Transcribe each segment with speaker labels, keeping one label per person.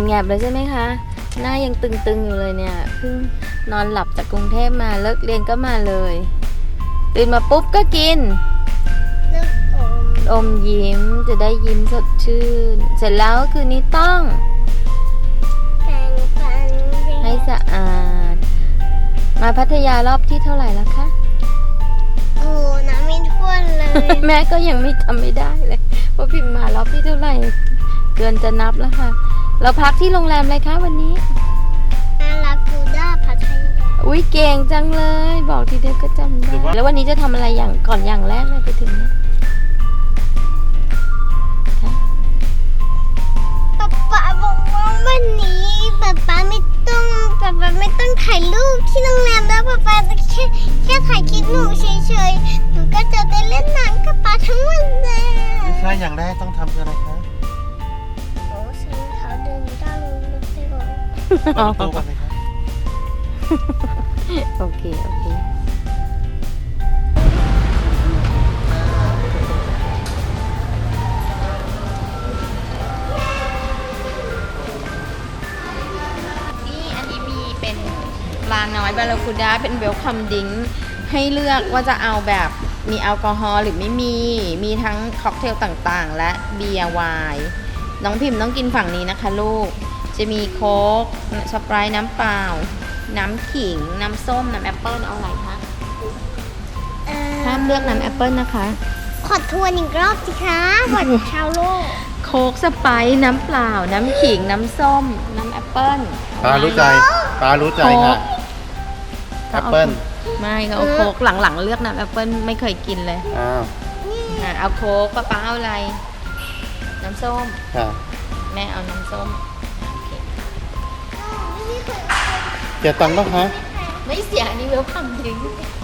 Speaker 1: แงบๆเลยใช่ไหมคะหน้ายังตึงๆอยู่เลยเนี่ยเพิ่งนอนหลับจากกรุงเทพมาเลิกเรียนก็มาเลยตื่นมาปุ๊บก็กินอมยิ้มจะได้ยิ้มสดชื่นเสร็จแล้วคืนนี้ต้องให้สะอาดมาพัทยารอบที่เท่าไหร่แล้วคะ
Speaker 2: โอ้น้ำไม่ท่วนเลย
Speaker 1: แม่ก็ยังไม่ทำไม่ได้เลยว่าพิมพ์มารอบที่เท่าไหร่เกินจะนับแล้วค่ะเราพักที่โรงแรมอะไรคะวันนี้
Speaker 2: อารากูด้าพัทยา
Speaker 1: อุ๊ยเก่งจังเลยบอกทีเดียวก็จำได้แล้ววันนี้จะทำอะไรอย่างแรกเลยไปถึงเนี่ย
Speaker 2: ป๊าบอกว่าวันนี้ป๊าไม่ต้องถ่ายรูปที่โรงแรมแล้วป๊าแค่ถ่ายคลิปหนูเฉยๆหนูก็จะได้เล่นน้ำกับป๊าทั้งวันเลย
Speaker 3: ไม่ใช่อย่างแรกต้องทำคืออะไรคะ
Speaker 2: โอ้ใส่รองเท้าเดินไม่ได้เลยรถไฟร้อน
Speaker 3: เปิดประตูก่อนเลยครับ
Speaker 1: โอเคนี่อันนี้มีเป็นปลาน้อยบาราคูด้าเป็นเวลคัมดิงให้เลือกว่าจะเอาแบบมีแอลกอฮอล์หรือไม่มีทั้งค็อกเทลต่างๆและเบียร์ไวน์น้องพิมพ์ต้องกินฝั่งนี้นะคะลูกจะมีโค้กสไปร์น้ำเปล่าน้ำขิงน้ำส้มน้ำแอปเปิ้ลเอาอะไรคะห้ามเลือกน้ำแอปเปิ้ลนะคะ
Speaker 2: ขอทวนอีกรอบสิคะหมดชาวโลก
Speaker 1: โค้กสไปร์น้ำเปล่าน้ำขิงน้ำส้มน้ำแอปเปิ้ล
Speaker 3: ปลารู้ใจค่ะแอปเปิ้ล
Speaker 1: ไม่ก็เอาโค้กหลังๆเลือกน้ำแอปเปิ้ลไม่เคยกินเลย
Speaker 3: อ้าว
Speaker 1: เอาโค้กป้าเอาอะไรน้ำส้ม
Speaker 3: ค่ะ
Speaker 1: แม่เอาน้ำส้ม
Speaker 3: เสียตังค์ป่ะคะ
Speaker 1: ไม่เสียอันนี้เวลคัมจริง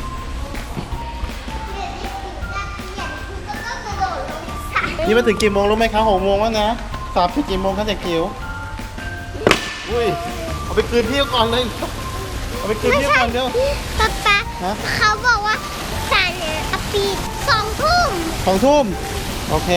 Speaker 3: นี่มาถึงกี่โมงรู้ไหมคะ6 โมงแล้วนะสอบถึงกี่โมงคะเด็กจิ๋วอุ้ยเอาไปคืนพี่ก่อนเลยเอาไปคืนพี่ก่อนเร็ว
Speaker 2: ป๊าเขาบอกว่าศาลปิด2 ทุ่ม
Speaker 3: 2 ทุ่มโอเค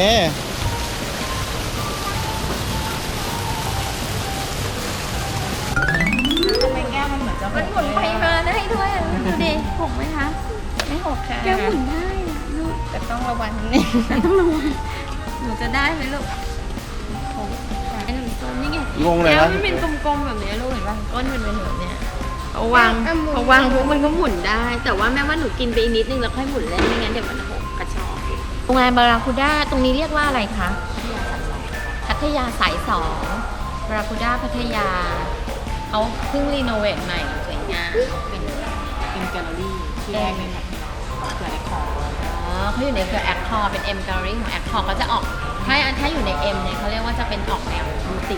Speaker 1: มันหมุนไปมานะให้ด้วยดูดิหกไหมคะไม่หกค่ะแกหมุนได้ลูกแต่ต้องระวังนิดนึงต้องระวังหนูจะได้ไหมลูกหกไอ้หนูส้มนี่ไงแล้วมันเป็นกลมๆแบบนี้ลูกเห็นป่ะก้นมันเป็นแบบเนี้ยเอาวางปุ๊บมันก็หมุนได้แต่ว่าแม่ว่าหนูกินไปอีกนิดนึงแล้วค่อยหมุนเล่นไม่งั้นเดี๋ยวมันหกกระชอกโรงแรมบาราคูด้าตรงนี้เรียกว่าอะไรคะพัทยาสาย2บาราคูด้าพัทยาเขาเพิ่งรีโนเวทใหม่สวยงามเป็นแกลเลอรี่ที่แรกในเครือแอคคอร์เขาอยู่ในเครือแอคคอร์เป็น M Gallery ของแอคคอร์ก็จะออกถ้าอยู่ใน M เนี่ยเขาเรียกว่าจะเป็นออกแนวบูติก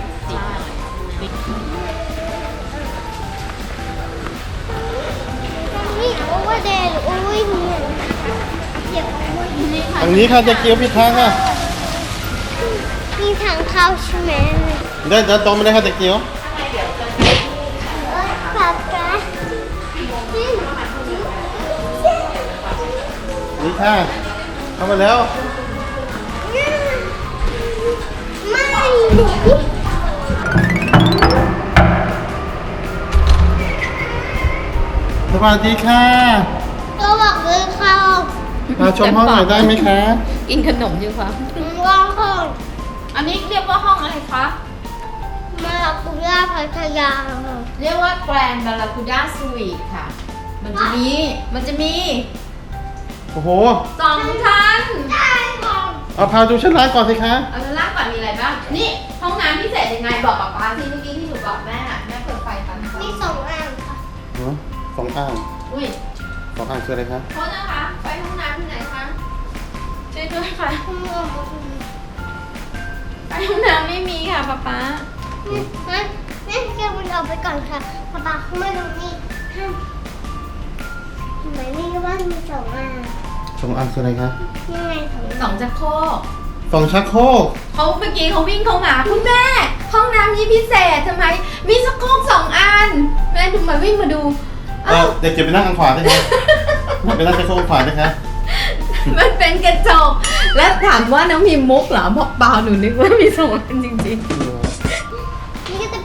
Speaker 2: นี่โอเวอร์เดย์โอเวอร์เนี่ยเดี๋ยว
Speaker 3: ทางนี้ค่ะเด็กจิ๋วผิดทางค่ะ
Speaker 2: มีทางเข้าใช่ไหม
Speaker 3: เดินตรงไปเลยค่ะเด็กจิ๋วนี่ค่ะเข้ามาแล้ว
Speaker 2: ไม่
Speaker 3: สวัสดีค่ะ
Speaker 2: ก็บอกเลยค่ะ
Speaker 3: มาชมห้องหน่อยได้ไหมคะ
Speaker 1: กินขนมอยู่ครับ
Speaker 2: ว่างห้อง
Speaker 1: อันนี้เรียกว่าห้องอะไรคะ
Speaker 2: บาราคูด้าพัทยา
Speaker 1: เรียกว่าแกรนด์บาราคูด้าสวีทค่ะมันจะมี
Speaker 3: โอ้โห
Speaker 1: 2 ชั้น
Speaker 3: เอาพาดูชั้นล่างก่อนสิคะ
Speaker 1: เอาชั้นล่างก่อนมีอะไรบ้างนี่ห้องน้ำพิเศษยังไงบอกป๊าที่เมื่อกี้ที่หนูบอกแม่เปิดไฟตาม
Speaker 2: มี2 อ่างค่ะ
Speaker 3: 2 อ่าง
Speaker 1: อุ้ย
Speaker 3: 2 อ่างคืออะไรคะ
Speaker 1: โทษนะคะไปห้องน้ำที่ไหนคะช่วยด้วยค่ะไปห้องน้ำไม่มีค่ะป๊า
Speaker 2: แม่แกวนออกไปก่อนค่ะป๊าเข้ามาตรงนี้ทำไมนี่ก็ว่ามี2 อ่าง
Speaker 3: 2 อ่างคืออะไรคะ
Speaker 2: ยังไง
Speaker 1: 2 ชักโครก
Speaker 3: 2 ชักโครก
Speaker 1: เขาเมื่อกี้เขาวิ่งเข้ามาคุณแม่ห้องน้ำนี้พิเศษทำไมมีชักโครก2 อันแม่ดูมาวิ่งมาดู
Speaker 3: เด็กจะไปนั่งทางขวาได้ไหมไปนั่งชักโครกขวาได้คะ
Speaker 1: มันเป็นกระจกและถามว่าน้องพิมมุกเหรอบอกเปล่าหนูนึกว่ามี2 อันจริงๆ
Speaker 2: นี่ก็จะ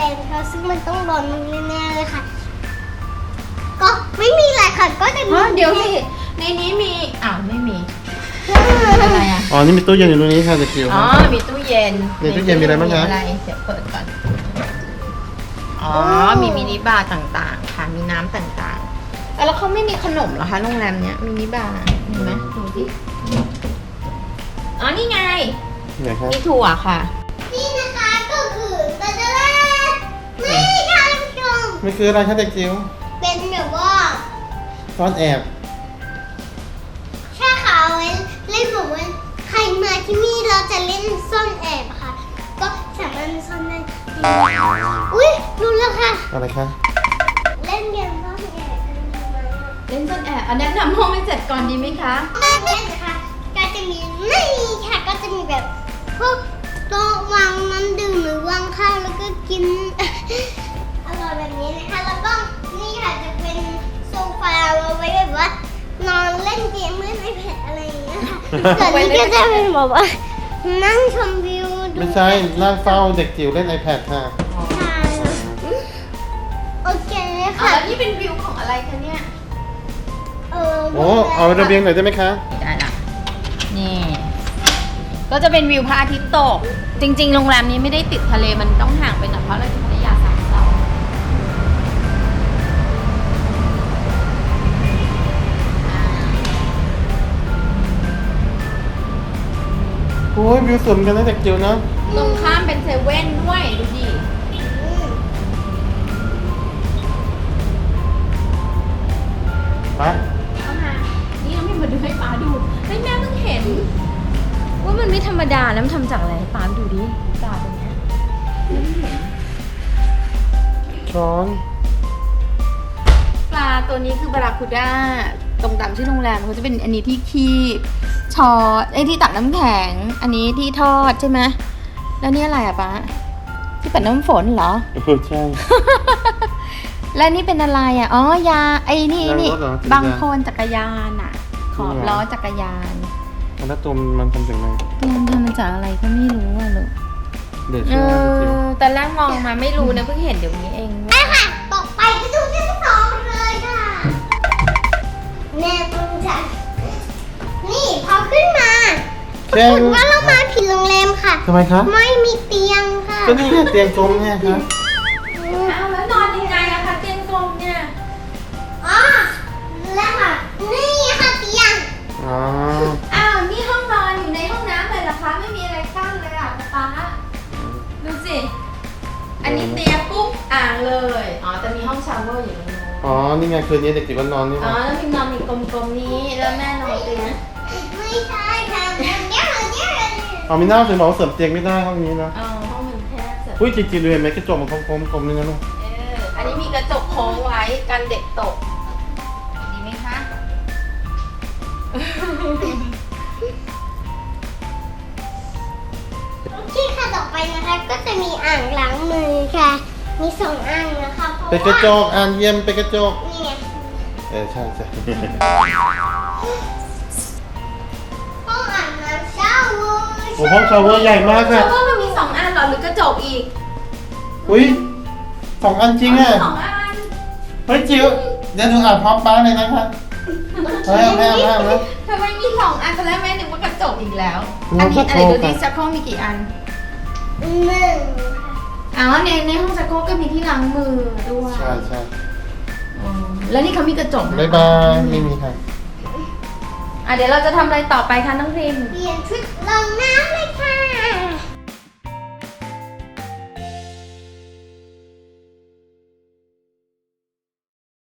Speaker 2: นค่ะซึ่งมันต้องร้อนแน่ๆเลยค่ะ ก็ไม่มีอะไรค่ะก็จะมี
Speaker 1: เดี๋ยวสิในนี้มีไม่มีอะไรอ่ะ
Speaker 3: อ๋อ นี่มีตู้เย็นอยู่ตรงนี้ค่ะเด็กจิ๋ว
Speaker 1: อ๋อมีตู้เย็น
Speaker 3: ในตู้เย็นมีอะไรบ้างคะ
Speaker 1: เดี๋ยวเปิดก่อนอ๋อมีมินิบาร์ต่างๆค่ะมีน้ำต่างๆแล้วเขาไม่มีขนมเหรอคะโรงแรมเนี้ยมินิบาร์เห็นไหมดูสิอ๋อนี่ไง
Speaker 3: ไหนครับ
Speaker 1: มีถั่วค่ะ
Speaker 2: นี่นะคะก็คือตะดานี่ค่ะท่านผู้ชม
Speaker 3: มันคืออะไรคะเด็กจิ๋ว
Speaker 2: เป็นแบบว่า
Speaker 3: ซ่อนแอบ
Speaker 2: แค่เขาเอาไว้เล่นแบบว่าใครมาที่นี่เราจะเล่นซ่อนแอบค่ะ ก็สามารถซ่อนได้อุ้ยรู้แล้วค่ะ
Speaker 3: อะไรคะ
Speaker 2: เล่นเกมซ่อนแอบกันดีไหม
Speaker 1: เล่นซ่อนแอบแนะนำห้องให้เสร็จก่อนดีไหมคะ
Speaker 2: เล่นนะคะก็จะมีนี่ค่ะก็จะมีแบบพวกโต๊ะวางน้ำดื่มหรือวางข้าวแล้วก็กิน อร่อยแบบนี้นะคะแล้วก็นี่ค่ะจะเป็นโซฟาเอาไว้แบบว่านอนเล่นเกมเล่นไอแพดอะไรอย่างเงี้ยค่ะส่วนนี้ก็จะเป็นแบบว่านั่งชมวิวดู
Speaker 3: ไม่ใช่นั่งเฝ้าเด็กจิ๋วเล่น iPad ค่ะ
Speaker 2: ใช่โอเค
Speaker 1: อ่ะ
Speaker 2: ค่ะ
Speaker 1: แล้วนี่เป็นวิวของอะไรคะเนี่ย
Speaker 3: โอ้เอาระเบียงหน่อยได้ไหมคะ
Speaker 1: ได้ละนี่ ก็จะเป็นวิวพระอาทิตย์ตก จริงๆ โรงแรมนี้ไม่ได้ติดทะเลมันต้องห่างไปหน่อยเพราะเราอยู่พัทยา3 เสา
Speaker 3: โอ้ยวิวสวยเหมือนกันนะเด็กจิ๋วนะ
Speaker 1: ตรงข้ามเป็นเซเว่นด้วยดูดิ
Speaker 3: ไป
Speaker 1: เข้ามา นี่น้องพิมมาดูให้ป้าดูให้แม่เพิ่งเห็น ว่ามันไม่ธรรมดาแล้วมันทำจากอะไรป้าดูดิปลาตัวเนี้ย
Speaker 3: ช้อน
Speaker 1: ปลาตัวนี้คือบาราคูด้าตรงตามชื่อโรงแรมเขาจะเป็นอันนี้ที่คีบชอตที่ตักน้ำแข็ง อันนี้ที่ทอดใช่ไหมแล้วนี่อะไรอะป้าที่ปัดน้ำฝนเหรอ
Speaker 3: ใช่
Speaker 1: และนี่เป็นอะไรอ่ะ อ๋อ ยา ไอ้นี่
Speaker 3: ยางรถ
Speaker 1: นี่
Speaker 3: เหรอ
Speaker 1: บางโคนจักรยานอ่ะ ขอบล้อจักรยาน
Speaker 3: แล้วตัวมันทำจากไหน
Speaker 1: มันทำมาจากอะไรก็ไม่รู้อ่ะลูก
Speaker 3: เด็กช่วยเด็กจิ๋ว
Speaker 1: ตอนแรกมองมาไม่รู้นะเพิ่งเห็นเดี๋ยวนี้เอง
Speaker 2: ไปค่ะต่อไปไปดูชั้นสองเลยค่ะแน่ตรงจันนี่พอขึ้นมาปรากฏว่าเรามาผิดโรงแรมค่ะ
Speaker 3: ทำไมคะ
Speaker 2: ไม่มีเตียงค่ะ
Speaker 3: ก็นี่ไงเตียงกลมเนี่ยครับ
Speaker 1: อ้าวแล้วนอนยังไงอะคะเตียงกลมเนี่ย
Speaker 2: อ๋อแล้วค่ะ นี่ค่ะเตียง
Speaker 3: อ๋อ
Speaker 1: อ้าว นี่ห้องนอนอยู่ในห้องน้ำเลยเหรอคะ ไม่มีอะไรกั้นเลยอ่ะป๊าดูสิ อันนี้เตียงปุ๊บอ่างเลย อ๋อแต่มีห้องชาวเวอร์อยู่ตรงนู้น
Speaker 3: อ๋อ นี่ไงคืนนี้เด็กจิ๋วก็นอนนี่
Speaker 1: อ๋อ
Speaker 3: นะ
Speaker 1: แล้วพิมนอนอีกกลมๆนี้ แล้วแม่นอนเตียง
Speaker 2: ไม่ใช่ค่ะเดี๋ยว
Speaker 3: เอามีหน้าถึงบอกว่าเสริมเตียงไม่ได้ห้องนี้นะ
Speaker 1: อ๋อห้องมันแคบเสร็จ
Speaker 3: อุ้ยจริงๆเลยเห็นไหมกระจกมันกลมๆนึงนะลูก
Speaker 1: อันนี้มีกระจกโค้งไว้กันเด็กตก ดีไหมคะ
Speaker 2: โอเคค่ะต่อไปนะคะ ก็จะมีอ่างล้างมือค่ะ มีสองอ่างนะคะเพราะ
Speaker 3: เป็นกระ
Speaker 2: ว่า
Speaker 3: จกอ่านเยี่ยมเป็นกระจก
Speaker 2: นี่ไง
Speaker 3: ใช่ใช่
Speaker 2: ห้องอาบน้ำชาวเวอร์
Speaker 3: โอ้ห้องชาวเวอร์ใหญ่มาก
Speaker 1: เพ
Speaker 3: ค่ะ
Speaker 1: ราะว่ามันมี2 อันเหรอหรือกระจกอีก
Speaker 3: อุ้ย2 อันจริงอ่ะ
Speaker 1: สองอัน
Speaker 3: เฮ้ยจิ๋วเดี๋ยวหนูอ่านพร้อมป้าเลยนะคะเฮ้ยแม่แม่แม่
Speaker 1: ทำไมมี2 อันตอนแรกแม่นึกว่ากระจกอีกแล้ว
Speaker 3: อืม
Speaker 1: อันนี้อะไร
Speaker 3: ชักโครก
Speaker 1: ดูดิ
Speaker 3: อะ
Speaker 1: ชักโครกมีกี่อัน
Speaker 2: หนึ่ง
Speaker 1: อ๋อในห้องชักโครกก็มีที่ล้างมือด้วย
Speaker 3: ใช่ใช่
Speaker 1: อ๋อแล้วนี่เขามีกระจกไหม
Speaker 3: บ๊ายบายไม่มีค่ะ
Speaker 1: เดี๋ยวเราจะทำอะไรต่อไปคะน้องพิม
Speaker 2: เปลี่ยนชุดลงน้ำเลย